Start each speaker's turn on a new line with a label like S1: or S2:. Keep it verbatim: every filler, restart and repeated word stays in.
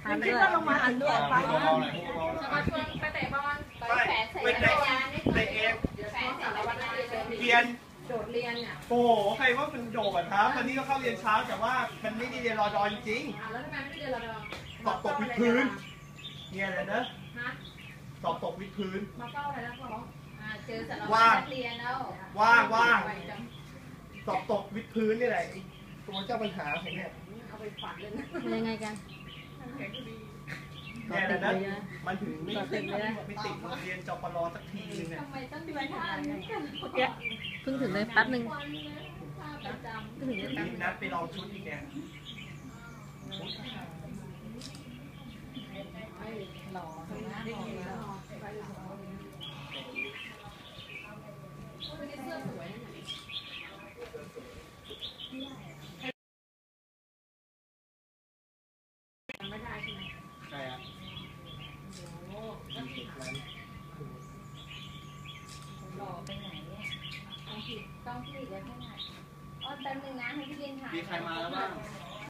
S1: ทานด้วยลงมาทานด้วยไปจะ
S2: มาชวนไปเตะบอลไปแฝงใส่จักรยานนี่เตะเองแฝงใส่จักรยานเรียนโดดเรียนเนี่ย
S3: โอ้โหใครว่าเป็นโดดครับวันนี้ก็เข้าเรียนเช้าแต่ว่ามันไม่ได้เรียนรอดอจริง
S2: ๆแล้วทำไมไม่ได้เรียนรอดอ
S3: สอบตกวิดพื้นเนี่ยอะไรนะสอบตกวิดพื้น
S2: มาเฝ้าอะไรแล้วพ่อเจอสาร
S3: วัตร
S2: เรียนแล้ว
S3: ว่างว่างสอบตกวิดพื้นนี่แหละตัวเจ้าปัญหาของเนี่ย
S2: เอาไปฝันเลยนะ
S1: ยังไงกัน
S3: เนี่ยนะมันถึงไม่ติดไม่ติดเรียนจปรสักทีนึงเนี่ย
S2: ทำไมต้องดูท่า
S1: เพิ่งถึงเลยแป๊บนึงเพิ่งถึงเลย
S3: นัดไปลองชุดอีกเนี่ย
S2: หล่อทำหน้าหล่อแล้ววันนี้เสื้อสวยไม่ได้ใช่ไหม
S3: ใช่ครับ
S2: โอ้หล่อไปไหนเนี่ยต้องผิดต้องผิดเลยแค่ไหนอ๋อแป๊บนึงนะให้พี่เรียนถ่าย
S3: มีใครมาแล้วบ้าง